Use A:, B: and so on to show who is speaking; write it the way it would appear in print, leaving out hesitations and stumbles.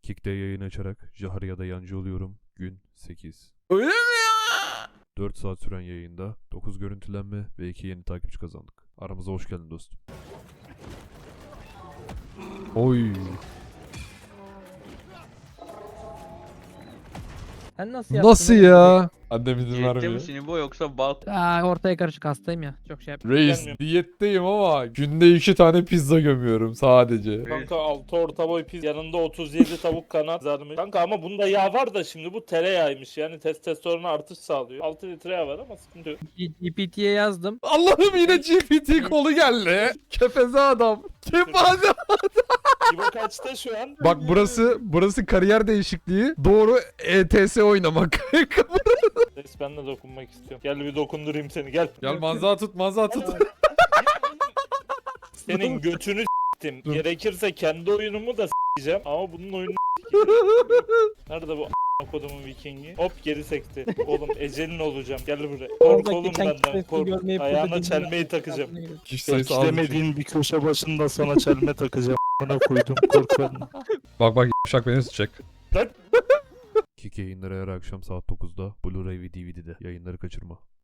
A: Kick'te yayın açarak Jaharya'da yancı oluyorum. Gün 8.
B: Öyle mi ya?
A: 4 saat süren yayında 9 görüntülenme ve 2 yeni takipçi kazandık. Aramıza hoş geldin dostum. Oy.
C: Sen nasıl yaptın?
B: Nasıl
C: oğlum?
B: ya? Annem izin
D: Diyette
B: vermiyor.
D: misin İbo yoksa bal?
C: Ortaya karışık hastayım ya. Çok şey yap.
B: Reis diyetteyim ama günde 2 tane pizza gömüyorum sadece.
E: Kanka 6 orta boy pizza yanında 37 tavuk kanat kızarmış. Kanka ama bunda yağ var da şimdi bu tereyağıymış yani testosterona artış sağlıyor. 6 litre yağ var ama sıkıntı yok.
C: GPT'ye yazdım.
B: Allah'ım yine GPT kolu geldi. Kefeze adam. Kefeze.
E: İbo kaçta şu an?
B: Bak burası kariyer değişikliği. Doğru ETS oynamak.
E: Reis ben de dokunmak istiyorum. Gel bir dokundurayım seni gel.
B: Gel manza tut.
E: Senin götünü s**tim.
B: Dur.
E: Gerekirse kendi oyunumu da s**eceğim ama bunun oyunu nerede bu a**a kodumun vikingi? Hop geri sekti. Oğlum ecelin olacağım. Gel buraya. Kork
C: Oradaki
E: oğlum
C: tank
E: benden
C: sesini
E: kork.
C: görmeyip
E: Ayağına
C: burada
E: çelmeyi
C: dinliyorum.
E: takacağım.
B: Kişi sayısı az.
E: Beklemediğin bir köşe başında sana çelme takacağım. Bana koydum kork benden.
B: Bak şak beni tutacak.
A: Kick yayınları her akşam saat 9'da Blu-ray ve DVD'de. Yayınları kaçırma.